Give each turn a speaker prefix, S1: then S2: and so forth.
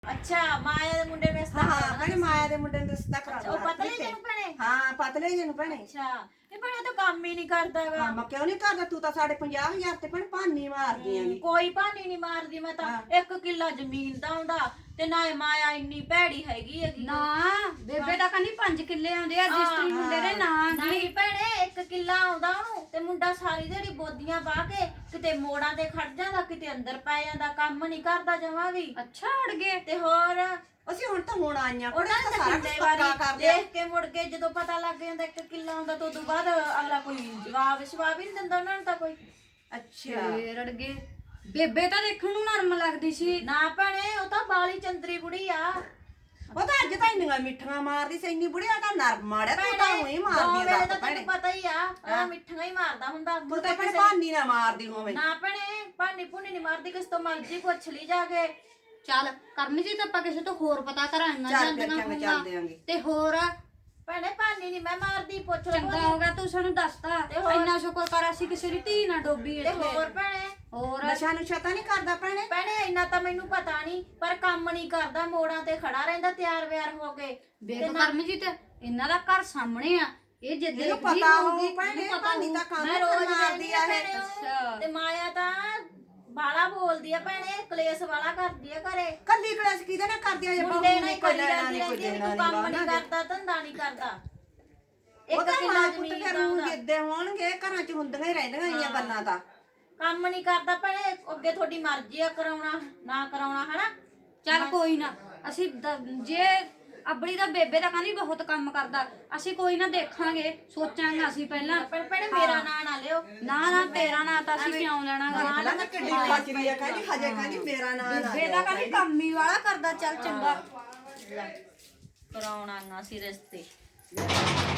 S1: ਅੱਛਾ ਮਾਇਆ ਦੇ ਮੁੰਡੇ ਨੇ ਰਿਸ਼ਤਾ
S2: ਹਾਂ ਭੈਣੇ ਮਾਇਆ ਦੇ ਮੁੰਡੇ ਨੂੰ ਰਿਸ਼ਤਾ ਕਰਾ
S1: ਉਹ ਪਤਲੇ ਜਿਹੇ ਨੂੰ ਭੈਣੇ
S2: ਹਾਂ ਪਤਲੇ ਜਿਹੇ ਨੂੰ ਭੈਣੇ।
S1: ਅੱਛਾ ਇਹ ਭੈਣੇ ਤਾਂ ਕੰਮ ਹੀ ਨਹੀਂ ਕਰਦਾਗਾ।
S2: ਹਾਂ ਮੈਂ ਕਿਉਂ ਨਹੀਂ ਕਰਦਾ, ਤੂੰ ਤਾਂ ਸਾਡੇ 50,000 ਤੇ ਭੈਣੇ ਭਾਨੀ ਮਾਰਦੀ ਆਂ।
S1: ਕੋਈ ਭਾਨੀ ਨਹੀਂ ਮਾਰਦੀ ਮੈਂ ਤਾਂ 1 ਕਿੱਲਾ ਜ਼ਮੀਨ ਦਾ ਆਉਂਦਾ ਤੇ ਨਾ ਮਾਇਆ ਇੰਨੀ ਭੈੜੀ ਹੈਗੀ ਹੈਗੀ।
S3: ਨਾ ਬੇਬੇ ਦਾ ਕਹਿੰਦੀ 5 ਕਿੱਲੇ ਆਉਂਦੇ ਆ ਰਜਿਸਟਰੀ ਮੁੰਡੇ ਦੇ ਨਾਂ
S1: ਨਹੀਂ ਭੈਣੇ 1 ਕਿੱਲਾ ਆਉਂਦਾ ਉਹਨੂੰ ਤੇ ਮੁੰਡਾ ਸਾਰੀ ਦਿਹਾੜੀ ਬੋਦੀਆਂ ਬਾਹ ਕੇ ਕਿਤੇ ਮੋੜਾਂ ਤੇ ਖੜ ਜਾਂਦਾ, ਕਿਤੇ ਅੰਦਰ ਪੈ ਜਾਂਦਾ, ਕੰਮ ਨਹੀਂ ਕਰਦਾ ਜਮਾ ਵੀ।
S3: ਅੱਛਾ ਅੜ ਗਏ
S1: ਤੇ ਹੋਰ
S2: ਅਸੀਂ ਹੁਣ ਆਈਆਂ
S1: ਉਹਨਾਂ
S2: ਤਾਂ
S1: ਨੇ
S2: ਸਾਰਾ
S1: ਕਿੰਨੇ
S2: ਕੁਝ ਪੱਕਾ
S1: ਵਾਰੀ
S2: ਕਰ ਲਿਆ।
S1: ਦੇਖ ਕੇ ਮੁੜ ਕੇ ਜਦੋਂ ਪਤਾ ਲੱਗ ਜਾਂਦਾ 1 ਕਿੱਲਾ ਆਉਂਦਾ ਤਾਂ ਉਦੋਂ ਬਾਅਦ ਅਗਲਾ ਕੋਈ ਜਵਾਬ ਹੀ ਨਹੀਂ ਦਿੰਦਾ ਉਹਨਾਂ ਨੂੰ ਤਾਂ ਕੋਈ।
S2: ਅੱਛਾ
S3: ਫੇਰ ਅੜ ਗਏ। ਬੇਬੇ ਤਾਂ ਦੇਖਣ ਨੂੰ ਨਰਮ ਲੱਗਦੀ ਸੀ।
S1: ਨਾ ਭੈਣੇ ਉਹ ਤਾਂ ਬਾਲੀ ਚੰਦਰੀ ਬੁੜੀ ਆ।
S2: ਉਹ ਤਾਂ ਅੱਜ ਤਾਂ ਇੰਨੀਆਂ ਮਿੱਠੀਆਂ ਮਾਰਦੀ ਸੀ, ਇੰਨੀ ਬੁੜੀਆ ਤਾਂ ਨਰਮ ਮਾਰਿਆ, ਤੂੰ ਤਾਂ ਉਹੀ ਮਾਰਦੀ
S1: ਵੇਲੇ
S2: ਆ
S1: ਤਾਂ
S2: ਭੈਣੇ।
S1: ਤੈਨੂੰ ਪਤਾ ਹੀ ਆ ਉਹ ਮਿੱਠੀਆਂ ਹੀ ਮਾਰਦਾ ਹੁੰਦਾ।
S2: ਤੂੰ ਤਾਂ ਭੈਣੇ ਭਾਨੀ ਨਾ ਮਾਰਦੀ ਹੋਵੇਂ।
S1: ਨਾ ਭੈਣੇ ਭਾਨੀ ਭੁਨੀ ਨਹੀਂ ਮਾਰਦੀ, ਕਿਸ ਤੋਂ ਮਰਜੀ ਪੁੱਛ ਲਈ ਜਾ ਕੇ।
S3: ਚੱਲ ਕਰਨੀ ਜੀ ਤਾਂ ਆਪਾਂ ਕਿਸੇ ਤੋਂ ਹੋਰ ਪਤਾ ਕਰਾਂਗੇ
S2: ਚੱਲ ਫਿਰ ਚੰਗਾ ਚੱਲ ਦਿਆਂਗੇ।
S3: ਤੇ ਹੋਰ
S1: ਭੈਣੇ ਭਾਨੀ ਨਹੀਂ ਮੈਂ ਮਾਰਦੀ, ਪੁੱਛ ਲਓ।
S3: ਚੰਗਾ ਹੋ ਗਿਆ ਤੂੰ ਸਾਨੂੰ ਦੱਸਤਾ। ਇੰਨਾ ਸ਼ੁਕਰ ਕਰ ਅਸੀਂ ਕਿਸੇ ਦੀ ਧੀ ਨਾ ਡੋਬੀ
S1: ਤੇ
S3: ਇੱਥੇ।
S1: ਹੋਰ ਭੈਣੇ
S3: ਹੋਰ
S2: ਨਸ਼ਾ ਨੁਸ਼ਾ ਤਾਂ ਨਹੀਂ ਕਰਦਾ ਭੈਣੇ?
S1: ਭੈਣੇ ਇੰਨਾ ਤਾਂ ਮੈਨੂੰ ਪਤਾ ਨਹੀਂ, ਪਰ ਕੰਮ ਨਹੀਂ ਕਰਦਾ, ਮੋੜਾਂ ਤੇ ਖੜਾ ਰਹਿੰਦਾ ਤਿਆਰ ਵਿਆਰ ਹੋ ਕੇ।
S3: ਵੇਖ ਕਰਮਜੀਤ ਇਹਨਾਂ ਦਾ ਘਰ ਸਾਹਮਣੇ ਆ, ਇਹ ਜਿੱਦੇ
S2: ਇਹਨੂੰ ਪਤਾ ਹੋਊ ਭੈਣੇ, ਭਾਨੀ ਤਾਂ ਕੰਮ
S1: ਮੈਂ ਰੋਜ਼
S2: ਮਾਰਦੀ ਆ ਇਹ।
S3: ਅੱਛਾ।
S1: ਤੇ ਮਾਇਆ ਤਾਂ ਬਾਲਾ ਬੋਲਦੀ ਆ ਭੈਣੇ, ਕਲੇਸ਼ ਵਾਲਾ ਕਰਦੀ ਆ ਘਰੇ।
S2: ਕੱਲੀ ਕਲਾਸ ਕਿਹਦੇ ਨਾਲ ਕਰਦੀ ਆ? ਜੇ
S1: ਮੁੰਡੇ
S2: ਬਹੂ
S1: ਨਾਲ
S2: ਨੇ
S1: ਹੀ
S2: ਕੋਈ
S1: ਕਰੀ
S2: ਲੈਣਾ
S1: ਜਾਂਦੀ
S2: ਨਹੀਂ, ਕੋਈ
S1: ਰਹਿੰਦੀ ਆ,
S2: ਦੇਣਾ
S1: ਤੂੰ ਕੰਮ
S2: ਨਹੀਂ,
S1: ਨਹੀਂ ਕਰਦਾ, ਧੰਦਾ ਨਹੀਂ ਕਰਦਾ।
S2: ਉਹ ਤਾਂ
S1: ਕਿੱਲਾ
S2: ਮਾਂ ਪੁੱਤ
S1: ਜ਼ਮੀਨ
S2: ਫਿਰ
S1: ਦਾ
S2: ਉਹ
S1: ਉਹਦਾ।
S2: ਜਿੱਦੇ ਹੋਣਗੇ ਘਰਾਂ 'ਚ ਹੁੰਦੀਆਂ ਹੀ ਰਹਿੰਦੀਆਂ ਇਹ ਗੱਲਾਂ ਤਾਂ।
S1: ਕੰਮ ਨਹੀਂ ਕਰਦਾ ਭੈਣੇ, ਅੱਗੇ ਤੁਹਾਡੀ ਮਰਜ਼ੀ ਆ ਕਰਾਉਣਾ ਨਾ ਕਰਾਉਣਾ, ਹਨਾ।
S3: ਚੱਲ ਕੋਈ ਨਾ ਅਸੀਂ ਜੇ ਅਬੜੀ ਦਾ ਬੇਬੇ ਦਾ ਕਹਿੰਦੀ ਬਹੁਤ ਕੰਮ ਕਰਦਾ, ਅਸੀਂ ਕੋਈ ਨਾ ਦੇਖਾਂਗੇ, ਸੋਚਾਂਗੇ ਅਸੀਂ ਪਹਿਲਾਂ।
S1: ਭੈਣੇ ਮੇਰਾ ਨਾਂ ਨਾ ਲਿਓ।
S3: ਨਾ ਤੇਰਾ ਨਾਂ ਤਾਂ ਅਸੀਂ ਕਿਉਂ ਲੈਣਾਗਾ।
S2: ਪਹਿਲਾਂ ਤਾਂ ਕਿੱਡੀ ਖਾਚਰੀ ਆ, ਕਹਿੰਦੀ ਹਜੇ ਕਹਿੰਦੀ ਮੇਰਾ ਨਾਂ ਨਾ
S3: ਬੇਬੇ ਦਾ ਕਹਿੰਦੀ ਕੰਮ ਹੀ ਵਾਲਾ ਕਰਦਾ। ਚੱਲ ਚੰਗਾ
S1: ਕਰਾਉਣਾ ਸੀ ਰਿਸ਼ਤੇ।